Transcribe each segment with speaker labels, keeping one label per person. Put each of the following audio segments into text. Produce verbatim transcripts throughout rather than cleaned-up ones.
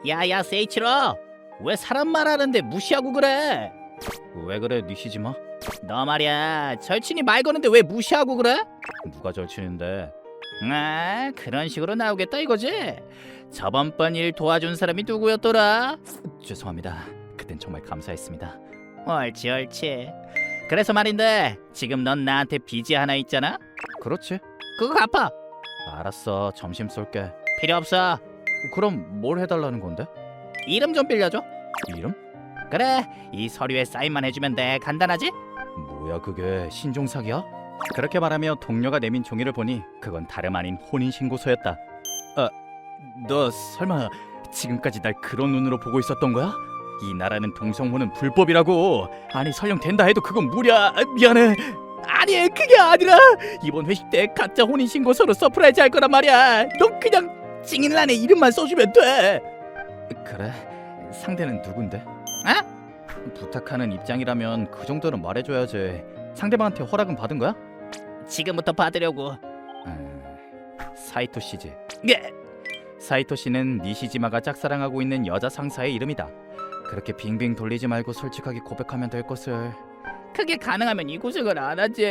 Speaker 1: 야야 세이치로, 왜 사람 말하는데 무시하고 그래? 왜 그래 니시지마? 너 말이야 절친이 말 거는데 왜 무시하고 그래? 누가 절친인데? 아 그런 식으로 나오겠다 이거지? 저번번 일 도와준 사람이 누구였더라? 죄송합니다. 그땐 정말 감사했습니다. 옳지 옳지. 그래서 말인데 지금 넌 나한테 빚이 하나 있잖아? 그렇지. 그거 갚아. 알았어. 점심 쏠게. 필요 없어. 그럼 뭘 해달라는 건데? 이름 좀 빌려줘. 이름? 그래 이 서류에 사인만 해주면 돼. 간단하지? 뭐야 그게 신종사기야? 그렇게 말하며 동료가 내민 종이를 보니 그건 다름 아닌 혼인신고서였다. 아, 너 설마 지금까지 날 그런 눈으로 보고 있었던 거야? 이 나라는 동성혼은 불법이라고. 아니 설령 된다 해도 그건 무려. 아, 미안해. 아니 그게 아니라 이번 회식 때 가짜 혼인신고서로 서프라이즈 할 거란 말이야. 너 그냥 증인란에 이름만 써주면 돼. 그래? 상대는 누군데? 어? 부탁하는 입장이라면 그 정도는 말해줘야지. 상대방한테 허락은 받은 거야? 지금부터 받으려고. 음, 사이토 씨지. 예. 사이토 씨는 니시지마가 짝사랑하고 있는 여자 상사의 이름이다. 그렇게 빙빙 돌리지 말고 솔직하게 고백하면 될 것을. 그게 가능하면 이 고생을 안 하지.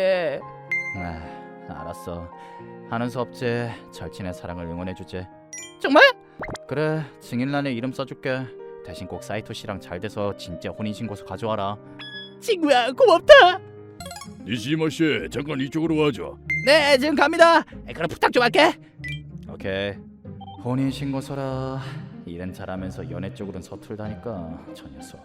Speaker 1: 아, 알았어. 하는 수 없지. 절친의 사랑을 응원해주지. 정말? 그래, 증인란에 이름 써줄게. 대신 꼭 사이토 씨랑 잘 돼서 진짜 혼인신고서 가져와라. 친구야, 고맙다.
Speaker 2: 니시지마 씨, 잠깐 이쪽으로 와줘.
Speaker 1: 네, 지금 갑니다. 그럼 부탁 좀 할게. 오케이. 혼인신고서라. 일은 잘하면서 연애 쪽으로는 서툴다니까 저 녀석.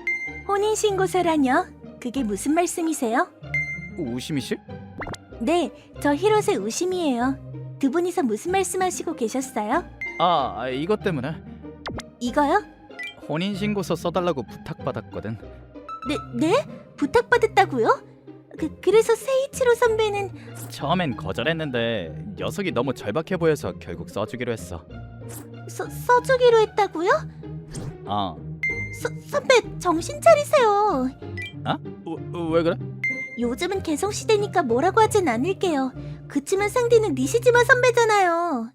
Speaker 3: 혼인신고서라뇨? 그게 무슨 말씀이세요?
Speaker 1: 우시미 씨?
Speaker 3: 네, 저 히로세 우심이에요. 두 분이서 무슨 말씀하시고 계셨어요?
Speaker 1: 아, 이것 때문에
Speaker 3: 이거요?
Speaker 1: 혼인신고서 써달라고 부탁받았거든.
Speaker 3: 네, 네? 부탁받았다고요? 그, 그래서 세이치로 선배는
Speaker 1: 처음엔 거절했는데 녀석이 너무 절박해 보여서 결국 써주기로 했어.
Speaker 3: 써, 써주기로 했다고요?
Speaker 1: 아,
Speaker 3: 서, 선배 정신 차리세요.
Speaker 1: 아? 왜, 왜 그래?
Speaker 3: 요즘은 개성시대니까 뭐라고 하진 않을게요. 그치만 상대는 니시지마 선배잖아요.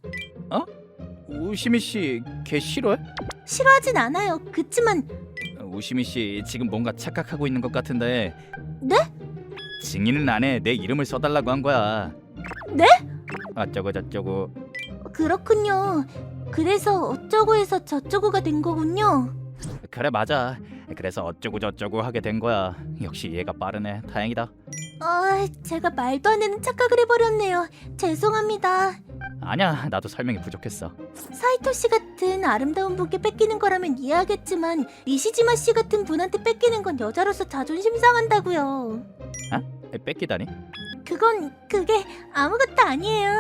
Speaker 1: 우시미 씨 걔 싫어해?
Speaker 3: 싫어하진 않아요. 그치만
Speaker 1: 우시미 씨 지금 뭔가 착각하고 있는 것 같은데.
Speaker 3: 네?
Speaker 1: 증인은 안에 내 이름을 써달라고 한 거야.
Speaker 3: 네?
Speaker 1: 어쩌고 저쩌고.
Speaker 3: 그렇군요. 그래서 어쩌고 해서 저쩌고가 된 거군요.
Speaker 1: 그래 맞아. 그래서 어쩌고 저쩌고 하게 된 거야. 역시 이해가 빠르네. 다행이다.
Speaker 3: 아, 제가 말도 안 되는 착각을 해버렸네요. 죄송합니다.
Speaker 1: 아니야 나도 설명이 부족했어.
Speaker 3: 사이토 씨 같은 아름다운 분께 뺏기는 거라면 이해하겠지만 니시지마 씨 같은 분한테 뺏기는 건 여자로서 자존심 상한다고요.
Speaker 1: 뺏기다니?
Speaker 3: 그건 그게 아무것도 아니에요.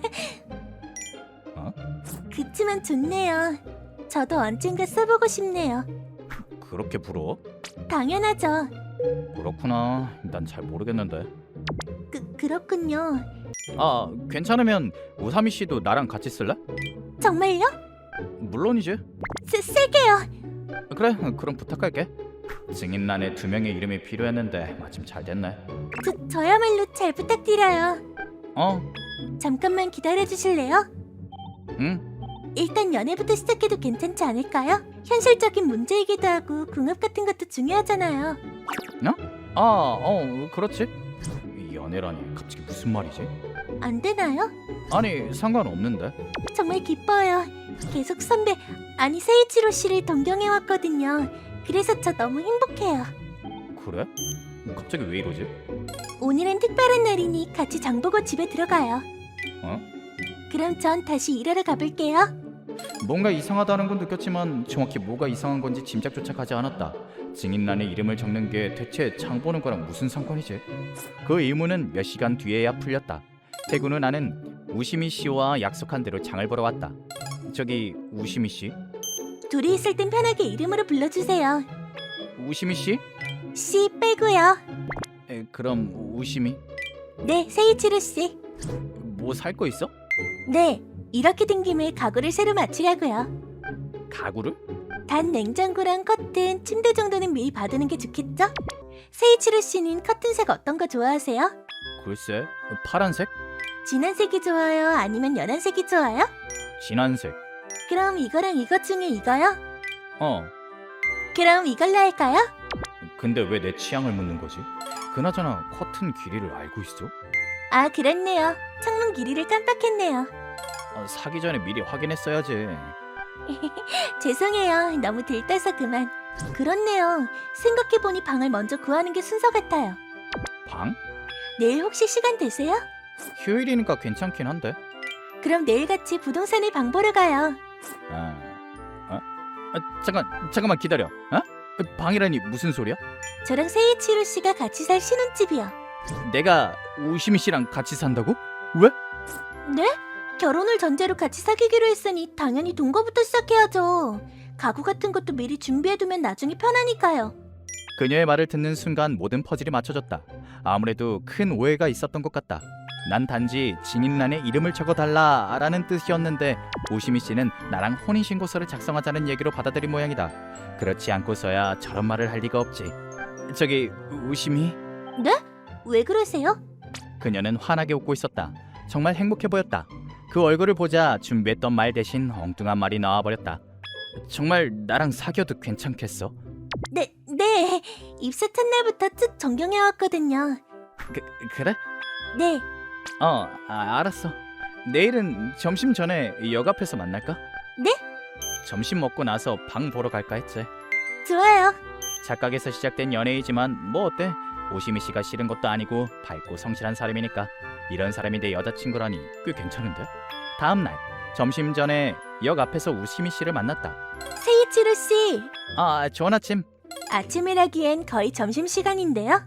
Speaker 1: 어?
Speaker 3: 그치만 좋네요. 저도 언젠가 써보고 싶네요.
Speaker 1: 그렇게 부러워?
Speaker 3: 당연하죠.
Speaker 1: 그렇구나. 난 잘 모르겠는데.
Speaker 3: 그, 그렇군요.
Speaker 1: 아 괜찮으면 우사미 씨도 나랑 같이 쓸래?
Speaker 3: 정말요?
Speaker 1: 물론이지.
Speaker 3: 쓰, 쓸게요.
Speaker 1: 그래 그럼 부탁할게. 증인란에 두 명의 이름이 필요했는데 마침 잘 됐네.
Speaker 3: 저, 저야말로 잘 부탁드려요.
Speaker 1: 어?
Speaker 3: 잠깐만 기다려주실래요?
Speaker 1: 응?
Speaker 3: 일단 연애부터 시작해도 괜찮지 않을까요? 현실적인 문제이기도 하고 궁합 같은 것도 중요하잖아요.
Speaker 1: 아, 어, 그렇지. 연애라니 갑자기 무슨 말이지?
Speaker 3: 안 되나요?
Speaker 1: 아니 상관없는데.
Speaker 3: 정말 기뻐요. 계속 선배, 아니 세이치로 씨를 동경해왔거든요. 그래서 저 너무 행복해요.
Speaker 1: 그래? 갑자기 왜 이러지?
Speaker 3: 오늘은 특별한 날이니 같이 장보고 집에 들어가요.
Speaker 1: 어?
Speaker 3: 그럼 전 다시 일하러 가볼게요.
Speaker 1: 뭔가 이상하다는 건 느꼈지만 정확히 뭐가 이상한 건지 짐작조차 가지 않았다. 증인란에 이름을 적는 게 대체 장 보는 거랑 무슨 상관이지? 그 의문은 몇 시간 뒤에야 풀렸다. 퇴근 후 나는 우시미 씨와 약속한 대로 장을 보러 왔다. 저기 우시미 씨?
Speaker 3: 둘이 있을 땐 편하게 이름으로 불러주세요.
Speaker 1: 우시미 씨?
Speaker 3: 씨 빼고요.
Speaker 1: 에, 그럼 우시미?
Speaker 3: 네, 세이치로 씨.
Speaker 1: 뭐 살 거 있어?
Speaker 3: 네, 이렇게 된 김에 가구를 새로 맞추려고요.
Speaker 1: 가구를?
Speaker 3: 단 냉장고랑 커튼, 침대 정도는 미리 받는 게 좋겠죠? 세이치로 씨는 커튼색 어떤 거 좋아하세요?
Speaker 1: 글쎄 파란색?
Speaker 3: 진한 색이 좋아요? 아니면 연한 색이 좋아요?
Speaker 1: 진한색.
Speaker 3: 그럼 이거랑 이것 중에 이거요?
Speaker 1: 어.
Speaker 3: 그럼 이걸로 할까요?
Speaker 1: 근데 왜 내 취향을 묻는 거지? 그나저나 커튼 길이를 알고 있어?
Speaker 3: 아, 그렇네요. 창문 길이를 깜빡했네요.
Speaker 1: 아, 사기 전에 미리 확인했어야지.
Speaker 3: 죄송해요. 너무 들떠서 그만. 그렇네요. 생각해보니 방을 먼저 구하는 게 순서 같아요.
Speaker 1: 방?
Speaker 3: 내일 혹시 시간 되세요?
Speaker 1: 휴일이니까 괜찮긴 한데.
Speaker 3: 그럼 내일 같이 부동산에 방 보러 가요.
Speaker 1: 아, 어? 아, 잠깐, 잠깐만 기다려. 어? 방이라니 무슨 소리야?
Speaker 3: 저랑 세이치로 씨가 같이 살 신혼집이요.
Speaker 1: 내가 우시미 씨랑 같이 산다고? 왜?
Speaker 3: 네? 결혼을 전제로 같이 사귀기로 했으니 당연히 동거부터 시작해야죠. 가구 같은 것도 미리 준비해두면 나중에 편하니까요.
Speaker 1: 그녀의 말을 듣는 순간 모든 퍼즐이 맞춰졌다. 아무래도 큰 오해가 있었던 것 같다. 난 단지 증인란에 이름을 적어달라 라는 뜻이었는데 우시미 씨는 나랑 혼인신고서를 작성하자는 얘기로 받아들인 모양이다. 그렇지 않고서야 저런 말을 할 리가 없지. 저기 우시미?
Speaker 3: 네? 왜 그러세요?
Speaker 1: 그녀는 환하게 웃고 있었다. 정말 행복해 보였다. 그 얼굴을 보자 준비했던 말 대신 엉뚱한 말이 나와버렸다. 정말 나랑 사귀어도 괜찮겠어?
Speaker 3: 네, 네. 입사 첫날부터 쭉 존경해왔거든요.
Speaker 1: 그, 그래?
Speaker 3: 네,
Speaker 1: 어, 아, 알았어. 내일은 점심 전에 역 앞에서 만날까?
Speaker 3: 네?
Speaker 1: 점심 먹고 나서 방 보러 갈까 했지.
Speaker 3: 좋아요.
Speaker 1: 착각에서 시작된 연애이지만 뭐 어때? 오시미 씨가 싫은 것도 아니고 밝고 성실한 사람이니까. 이런 사람이 내 여자친구라니 꽤 괜찮은데? 다음 날 점심 전에 역 앞에서 우시미 씨를 만났다.
Speaker 3: 세이치로 씨,
Speaker 1: 아, 좋은 아침.
Speaker 3: 아침이라기엔 거의 점심시간인데요.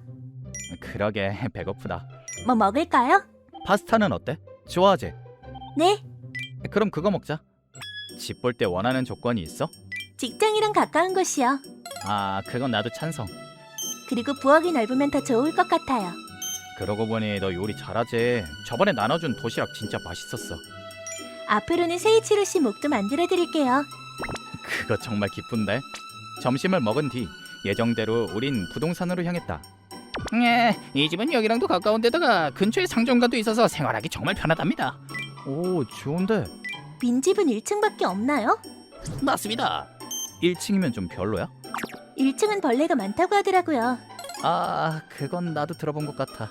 Speaker 1: 그러게 배고프다.
Speaker 3: 뭐 먹을까요?
Speaker 1: 파스타는 어때? 좋아하지?
Speaker 3: 네,
Speaker 1: 그럼 그거 먹자. 집 볼 때 원하는 조건이 있어?
Speaker 3: 직장이랑 가까운 곳이요.
Speaker 1: 아, 그건 나도 찬성.
Speaker 3: 그리고 부엌이 넓으면 더 좋을 것 같아요.
Speaker 1: 그러고 보니 너 요리 잘하지. 저번에 나눠준 도시락 진짜 맛있었어.
Speaker 3: 앞으로는 세이치로 씨 목도 만들어드릴게요.
Speaker 1: 그거 정말 기쁜데. 점심을 먹은 뒤 예정대로 우린 부동산으로 향했다. 예, 이 집은 여기랑도 가까운 데다가 근처에 상점가도 있어서 생활하기 정말 편하답니다. 오, 좋은데.
Speaker 3: 빈집은 일 층밖에 없나요?
Speaker 1: 맞습니다. 일 층이면 좀 별로야?
Speaker 3: 일 층은 벌레가 많다고 하더라고요.
Speaker 1: 아, 그건 나도 들어본 것 같아.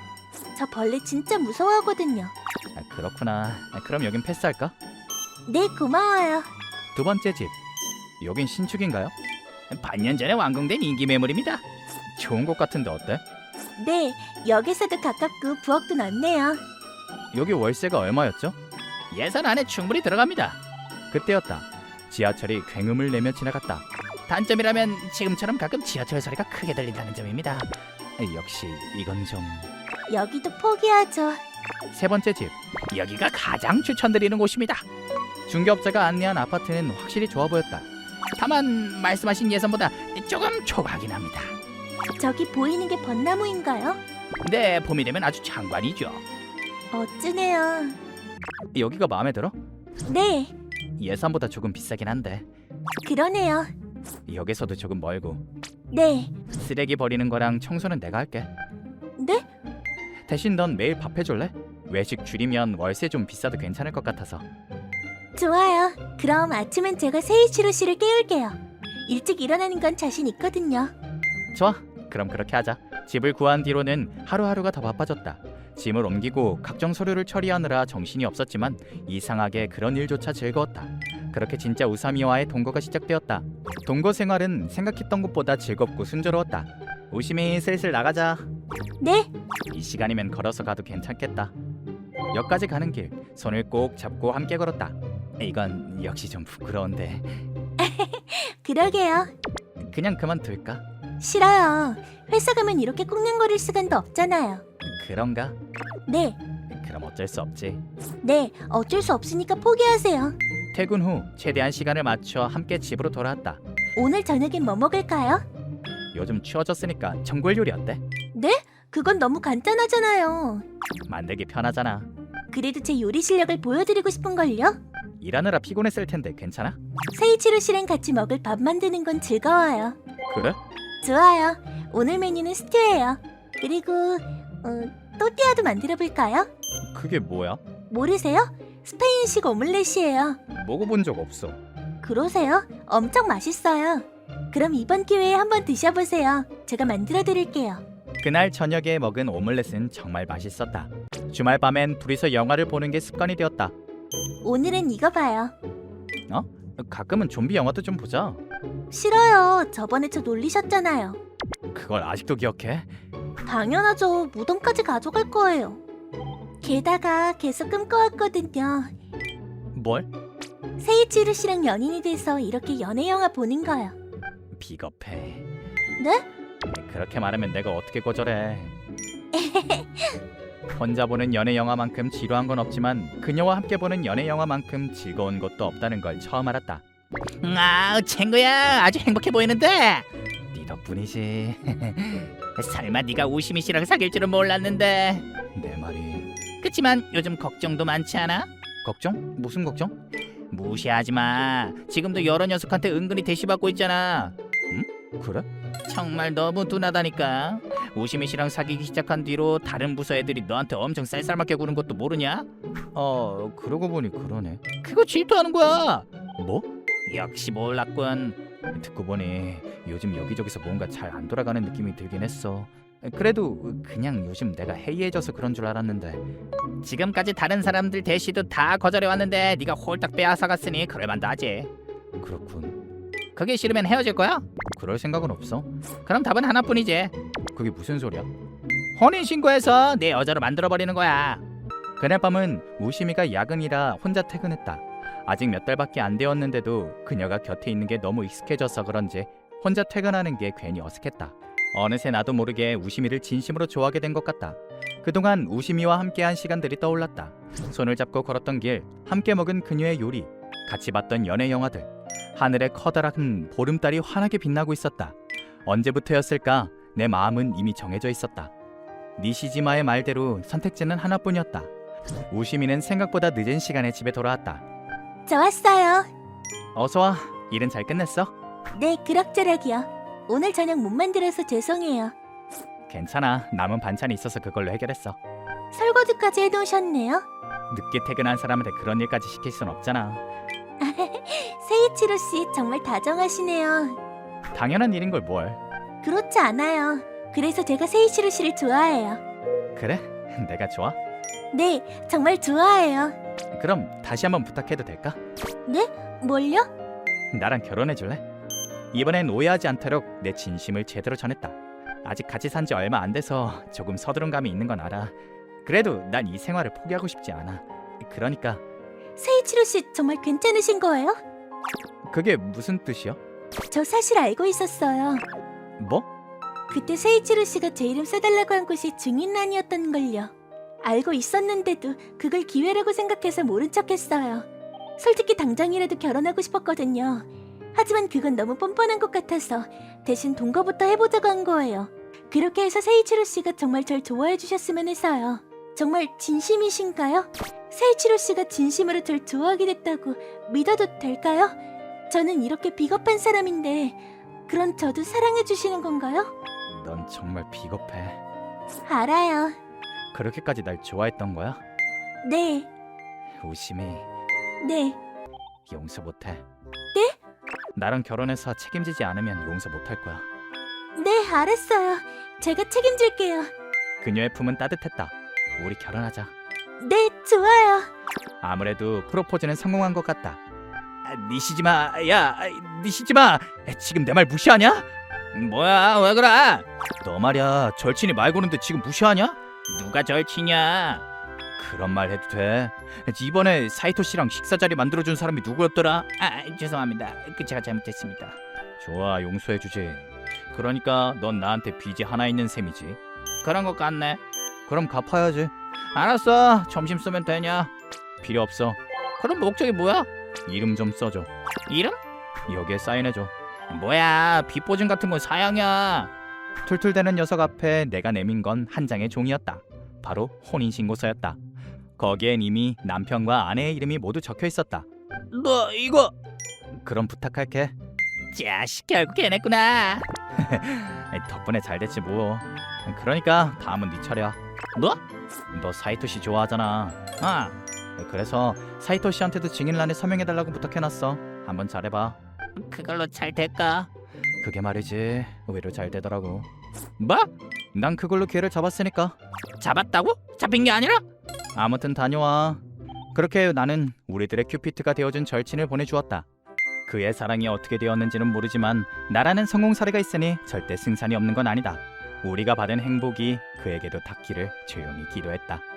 Speaker 3: 저 벌레 진짜 무서워하거든요.
Speaker 1: 아, 그렇구나. 아, 그럼 여긴 패스할까?
Speaker 3: 네, 고마워요.
Speaker 1: 두 번째 집. 여긴 신축인가요? 반년 전에 완공된 인기 매물입니다. 좋은 곳 같은데 어때?
Speaker 3: 네, 역에서도 가깝고 부엌도 넓네요.
Speaker 1: 여기 월세가 얼마였죠? 예산 안에 충분히 들어갑니다. 그때였다. 지하철이 굉음을 내며 지나갔다. 단점이라면 지금처럼 가끔 지하철 소리가 크게 들린다는 점입니다. 역시 이건 좀...
Speaker 3: 여기도 포기하죠.
Speaker 1: 세 번째 집. 여기가 가장 추천드리는 곳입니다. 중개업자가 안내한 아파트는 확실히 좋아 보였다. 다만 말씀하신 예산보다 조금 초과하긴 합니다.
Speaker 3: 저기 보이는 게 벚나무인가요?
Speaker 1: 네, 봄이 되면 아주 장관이죠.
Speaker 3: 멋지네요.
Speaker 1: 여기가 마음에 들어?
Speaker 3: 네,
Speaker 1: 예산보다 조금 비싸긴 한데
Speaker 3: 그러네요.
Speaker 1: 역에서도 조금 멀고.
Speaker 3: 네,
Speaker 1: 쓰레기 버리는 거랑 청소는 내가 할게.
Speaker 3: 네?
Speaker 1: 대신 넌 매일 밥 해줄래? 외식 줄이면 월세 좀 비싸도 괜찮을 것 같아서.
Speaker 3: 좋아요. 그럼 아침엔 제가 세이치로 씨를 깨울게요. 일찍 일어나는 건 자신 있거든요.
Speaker 1: 좋아, 그럼 그렇게 하자. 집을 구한 뒤로는 하루하루가 더 바빠졌다. 짐을 옮기고 각종 서류를 처리하느라 정신이 없었지만 이상하게 그런 일조차 즐거웠다. 그렇게 진짜 우사미와의 동거가 시작되었다. 동거 생활은 생각했던 것보다 즐겁고 순조로웠다. 우시미, 슬슬 나가자.
Speaker 3: 네,
Speaker 1: 이 시간이면 걸어서 가도 괜찮겠다. 역까지 가는 길 손을 꼭 잡고 함께 걸었다. 이건 역시 좀 부끄러운데
Speaker 3: 그러게요.
Speaker 1: 그냥 그만둘까?
Speaker 3: 싫어요. 회사 가면 이렇게 꽁냥거릴 시간도 없잖아요.
Speaker 1: 그런가?
Speaker 3: 네,
Speaker 1: 그럼 어쩔 수 없지.
Speaker 3: 네, 어쩔 수 없으니까 포기하세요.
Speaker 1: 퇴근 후 최대한 시간을 맞춰 함께 집으로 돌아왔다.
Speaker 3: 오늘 저녁엔 뭐 먹을까요?
Speaker 1: 요즘 추워졌으니까 전골 요리 어때?
Speaker 3: 네? 그건 너무 간단하잖아요.
Speaker 1: 만들기 편하잖아.
Speaker 3: 그래도 제 요리 실력을 보여드리고 싶은걸요?
Speaker 1: 일하느라 피곤했을 텐데 괜찮아?
Speaker 3: 세이치로 씨랑 같이 먹을 밥 만드는 건 즐거워요.
Speaker 1: 그래?
Speaker 3: 좋아요. 오늘 메뉴는 스튜예요. 그리고 어, 또띠아도 만들어볼까요?
Speaker 1: 그게 뭐야?
Speaker 3: 모르세요? 스페인식 오믈렛이에요.
Speaker 1: 먹어본 적 없어.
Speaker 3: 그러세요? 엄청 맛있어요. 그럼 이번 기회에 한번 드셔보세요. 제가 만들어 드릴게요.
Speaker 1: 그날 저녁에 먹은 오믈렛은 정말 맛있었다. 주말 밤엔 둘이서 영화를 보는 게 습관이 되었다.
Speaker 3: 오늘은 이거 봐요.
Speaker 1: 가끔은 좀비 영화도 좀 보자.
Speaker 3: 싫어요. 저번에 저 놀리셨잖아요.
Speaker 1: 그걸 아직도 기억해?
Speaker 3: 당연하죠. 무덤까지 가져갈 거예요. 게다가 계속 꿈꿔왔거든요.
Speaker 1: 뭘?
Speaker 3: 세이치루 씨랑 연인이 돼서 이렇게 연애 영화 보는 거요.
Speaker 1: 비겁해.
Speaker 3: 네?
Speaker 1: 그렇게 말하면 내가 어떻게 거절해. 혼자 보는 연애 영화만큼 지루한 건 없지만 그녀와 함께 보는 연애 영화만큼 즐거운 것도 없다는 걸 처음 알았다. 아, 친구야, 아주 행복해 보이는데. 네 덕분이지. 설마 네가 우시미 씨랑 사귈 줄은 몰랐는데. 내 말이. 그치만 요즘 걱정도 많지 않아? 걱정? 무슨 걱정? 무시하지 마. 지금도 여러 녀석한테 은근히 대시받고 있잖아. 응? 그래? 정말 너무 둔하다니까. 우시미 씨랑 사귀기 시작한 뒤로 다른 부서 애들이 너한테 엄청 쌀쌀맞게 구는 것도 모르냐? 어, 그러고 보니 그러네. 그거 질투하는 거야. 뭐? 역시 몰랐군. 듣고 보니 요즘 여기저기서 뭔가 잘 안 돌아가는 느낌이 들긴 했어. 그래도 그냥 요즘 내가 해이해져서 그런 줄 알았는데. 지금까지 다른 사람들 대시도 다 거절해왔는데 네가 홀딱 빼앗아갔으니 그럴만도 하지. 그렇군. 그게 싫으면 헤어질 거야? 그럴 생각은 없어. 그럼 답은 하나뿐이지. 그게 무슨 소리야? 혼인신고해서 내 여자로 만들어버리는 거야. 그날 밤은 우시미가 야근이라 혼자 퇴근했다. 아직 몇 달밖에 안 되었는데도 그녀가 곁에 있는 게 너무 익숙해져서 그런지 혼자 퇴근하는 게 괜히 어색했다. 어느새 나도 모르게 우시미를 진심으로 좋아하게 된 것 같다. 그동안 우시미와 함께한 시간들이 떠올랐다. 손을 잡고 걸었던 길, 함께 먹은 그녀의 요리, 같이 봤던 연애 영화들. 하늘에 커다란 보름달이 환하게 빛나고 있었다. 언제부터였을까? 내 마음은 이미 정해져 있었다. 니시지마의 말대로 선택지는 하나뿐이었다. 우시미는 생각보다 늦은 시간에 집에 돌아왔다.
Speaker 3: 저 왔어요.
Speaker 1: 어서 와. 일은 잘 끝냈어?
Speaker 3: 네, 그럭저럭이요. 오늘 저녁 못 만들어서 죄송해요.
Speaker 1: 괜찮아. 남은 반찬이 있어서 그걸로 해결했어.
Speaker 3: 설거지까지 해놓으셨네요.
Speaker 1: 늦게 퇴근한 사람한테 그런 일까지 시킬 순 없잖아.
Speaker 3: 세이치루 씨 정말 다정하시네요.
Speaker 1: 당연한 일인 걸 뭘.
Speaker 3: 그렇지 않아요. 그래서 제가 세이치루 씨를 좋아해요.
Speaker 1: 그래? 내가 좋아?
Speaker 3: 네, 정말 좋아해요.
Speaker 1: 그럼 다시 한번 부탁해도 될까?
Speaker 3: 네? 뭘요?
Speaker 1: 나랑 결혼해 줄래? 이번엔 오해하지 않도록 내 진심을 제대로 전했다. 아직 같이 산 지 얼마 안 돼서 조금 서두른 감이 있는 건 알아. 그래도 난 이 생활을 포기하고 싶지 않아. 그러니까.
Speaker 3: 세이치루 씨 정말 괜찮으신 거예요?
Speaker 1: 그게 무슨 뜻이야?
Speaker 3: 저 사실 알고 있었어요.
Speaker 1: 뭐?
Speaker 3: 그때 세이치루 씨가 제 이름 써달라고 한 곳이 증인란이었던 걸요. 알고 있었는데도 그걸 기회라고 생각해서 모른 척했어요. 솔직히 당장이라도 결혼하고 싶었거든요. 하지만 그건 너무 뻔뻔한 것 같아서 대신 동거부터 해보자고 한 거예요. 그렇게 해서 세이치루 씨가 정말 절 좋아해 주셨으면 해서요. 정말 진심이신가요? 세이치루 씨가 진심으로 절 좋아하게 됐다고 믿어도 될까요? 저는 이렇게 비겁한 사람인데 그런 저도 사랑해 주시는 건가요?
Speaker 1: 넌 정말 비겁해.
Speaker 3: 알아요.
Speaker 1: 그렇게까지 날 좋아했던 거야?
Speaker 3: 네,
Speaker 1: 우심이
Speaker 3: 네.
Speaker 1: 용서 못해.
Speaker 3: 네?
Speaker 1: 나랑 결혼해서 책임지지 않으면 용서 못할 거야.
Speaker 3: 네, 알았어요. 제가 책임질게요.
Speaker 1: 그녀의 품은 따뜻했다. 우리 결혼하자.
Speaker 3: 네, 좋아요.
Speaker 1: 아무래도 프로포즈는 성공한 것 같다. 아, 니시지마, 야, 니시지마. 지금 내 말 무시하냐? 뭐야, 왜 그래? 너 말이야, 절친이 말 거는데 지금 무시하냐? 누가 절친이야? 그런 말 해도 돼. 이번에 사이토 씨랑 식사 자리 만들어준 사람이 누구였더라? 아, 죄송합니다. 그 제가 잘못했습니다. 좋아, 용서해주지. 그러니까 넌 나한테 빚이 하나 있는 셈이지. 그런 것 같네. 그럼 갚아야지. 알았어. 점심 쓰면 되냐? 필요 없어. 그럼 목적이 뭐야? 이름 좀 써줘. 이름? 여기에 사인해줘. 뭐야, 빚보증 같은 건 사양이야. 툴툴대는 녀석 앞에 내가 내민 건 한 장의 종이었다. 바로 혼인신고서였다. 거기엔 이미 남편과 아내의 이름이 모두 적혀 있었다. 너 이거... 그럼 부탁할게. 자식, 결국 해냈구나. 덕분에 잘 됐지 뭐. 그러니까 다음은 네 차례야. 너? 너 사이토 씨 좋아하잖아. 아, 그래서 사이토 씨한테도 증인란에 서명해달라고 부탁해놨어. 한번 잘해봐. 그걸로 잘 될까? 그게 말이지 의외로 잘 되더라고. 뭐? 난 그걸로 기회를 잡았으니까. 잡았다고? 잡힌 게 아니라? 아무튼 다녀와. 그렇게 나는 우리들의 큐피트가 되어준 절친을 보내주었다. 그의 사랑이 어떻게 되었는지는 모르지만 나라는 성공 사례가 있으니 절대 승산이 없는 건 아니다. 우리가 받은 행복이 그에게도 닿기를 조용히 기도했다.